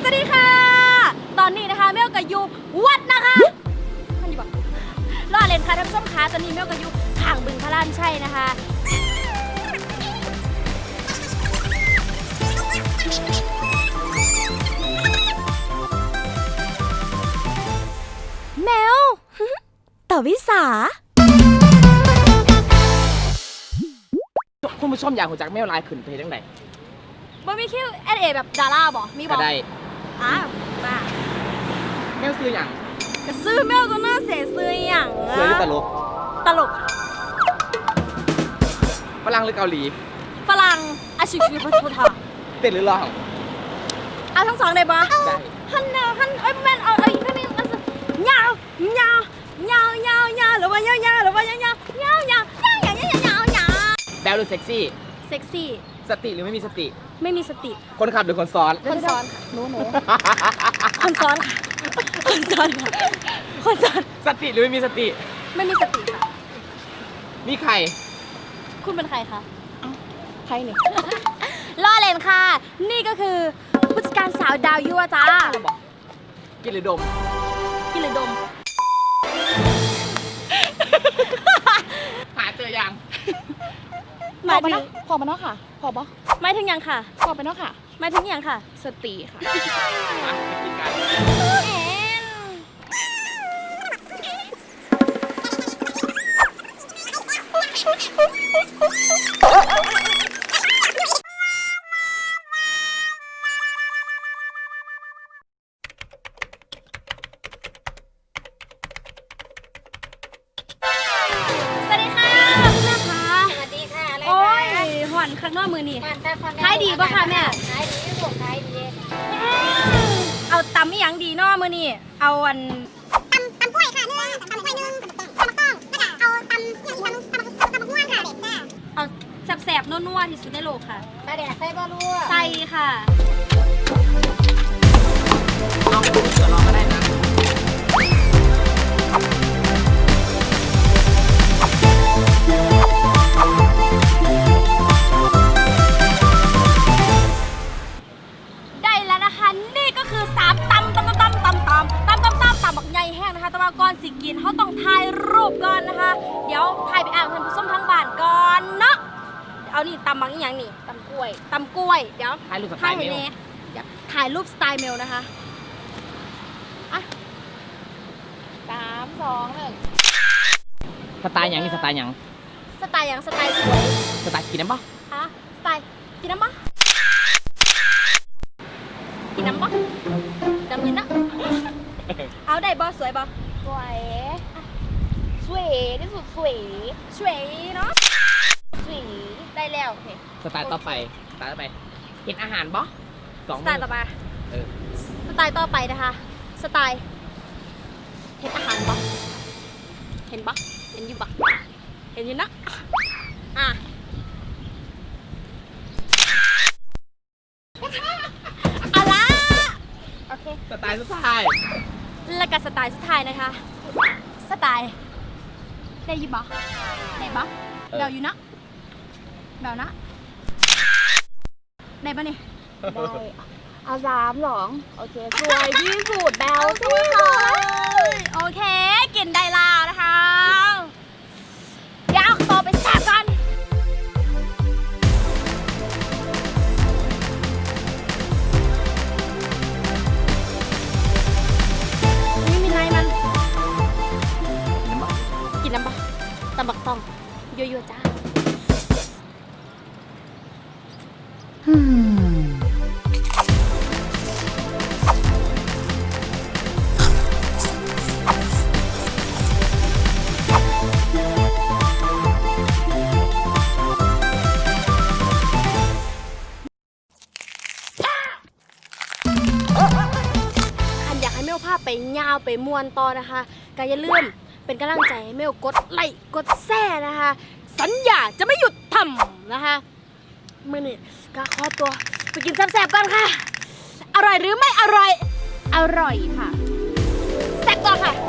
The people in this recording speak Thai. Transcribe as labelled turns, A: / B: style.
A: วัสดีค่ะตอนนี้นะคะเมลกับยูวัดนะคะมันอยู่แบบรอเล่นค่ะท่านผู้ชมคะตอนนี้เมลกับยูห่างบึงพระลานชัยนะคะแมวต่อวิสา
B: คุณผู้ชมอยากรู้จักแมวลายขึ้นเพจจังได
A: บ่มีคิวเอเอแบบดาราบ่มีบ่
B: ก็ได้
A: อ่ะมา
B: แมวซื้ออย่าง
A: ก็ซื้อแมวก็น่าเสียซื้ออย่าง
B: ซื้อหรือตลก
A: ตลก
B: ฝรั่งหรือเกาหลี
A: ฝรั่งอาชิชิพัทธา
B: เต้นหรือร้อง
A: เอาทั้งสองได้บ่
B: ได้
A: ฮันนาฮันเอ้ยแม่นเอาไม่มีมันยาวยาวยาวยาวยาวหรือว่ายาวยาวหรือว่ายาวยาวยาวยาวยาวยาวยาวยาวยาว
B: แบลหรือเซ็กซี่
A: เซ็กซี่
B: สติหรือไม่มีสติ
A: ไม่มีสติ
B: คนขับหรือคนซ้อน
A: คนซ้อนค่ะหนูคนซ้อนค่ะคนซ้อนค่ะคนซ้อน
B: สติหรือไม่มีสติ
A: ไม่มีสติค่ะ
B: มีใคร
A: คุณเป็นใครคะ
B: ใครเนี่ย
A: ล่อเลนค่ะ นี่ก็คือผู้จัดการสาวดาวยั่วจ้า
B: กินหรือดม
A: กินหรือดม
B: หาเจอยัง
A: หมายถึง
C: พอมาเนาะค่ะ พอปะ
A: หมายถึงยังค่ะ
C: พอไปเนาะค่ะ
A: หมายถึงยังค่ะ
C: สติค่ะ
B: มาไปกินกัน
A: สวัสดีค่ะคุณแม่คะ
D: สวัสดีค่ะอะไร
A: โอ้ย
D: คะ
A: หอนข้างนอกมือนี่
D: บ้านตาคอน
A: ขายดีปะคะแม่
D: ขายดีลูกขายดี
A: เอาตำไม่ยังดีเนอมือนี่เอาอัน
D: ตำกล้วยค่ะเนื้อตำกล้วยนึ่งตำมะต้องแล้วก็เอาตำอย่างนี้ตำมะม่วงค่ะจ้า
A: เอาแสบๆนัวๆที่สุดในโลกค่ะ
D: ปลาแดกใส่บะรั่ว
A: ใส่ค่ะ
B: ลองไปดูเสือลองก็ได้นะ
A: ได้แล้วนะคะ นี่ก็คือ3ตำบักใหญ่แห้งนะคะแต่ว่าก่อนสิกินเขาต้องถ่ายรูปก่อนนะคะ เดี๋ยวถ่ายไปอ่านท่านผู้ชมทางบ้านก่อนเนาะเอานี่ตำบักอีหยังนี่
D: ตำกล้วย
A: ตำกล้วยเดี๋ยว
B: ถ่ายรูปสไต
A: ถ่าย
B: ล์เม
A: ให้
B: ล
A: แน่อยากถ่ายรูปสไตล์เมลนะคะ
C: 3 2 1
B: สไตล์อย่างนี่สไตล์อย่าง
A: สไตล์หยังสไตล์สวย
B: สไตล์กินน้ำปะ
A: ฮะสไตล์กินน้ำปะกินน้ำปะจำกินนะเอาได้บอสวยบอ
C: สวยสวยที่สุดสวย
A: สวยเนาะ
C: สวย
A: ได้แล้วโอเค
B: สไตล์ต่อไปสไตล์ต่อไปเห็นอาหารปะสอง
A: ส
B: มื
A: ไตล์ต่อไป
B: เออ
A: สไตล์ต่อไปนะคะ สไตล์เห็นอาหารปะเห็นปะเห็นอยู่ปะเห็นอยู่นะอ่ะอะไร
C: โอเค
B: สไตล์สุดท้าย
A: แล้วก็สไตล์สุดท้ายนะคะ สไตล์ได้ยินปะได้ปะเบลอยู่นะเบลนะได้ปะนี่
C: ได้เอา3 2โอเค สวยที่สุดแบล
A: โอเคโอเค กินได้แล้วนะคะ เดี๋ยวต่อไปแซ่บกันไม่มีไรมัน
B: เห็นปะ
A: กินน้ำปะตำบักตองยั่วๆจ้าคันอยากให้เมลภาพไปยาวไปมวนต่อนะคะก็อย่าลืมเป็นกำลังใจให้เมลกดไลค์กดแชร์นะคะ สัญญาจะไม่หยุดทำนะคะมื่อนี้ก็ขอตัวไปกินแซ่บๆกันค่ะ อร่อยหรือไม่อร่อย
C: อร่อยค่ะ
A: แซ่บก่อนค่ะ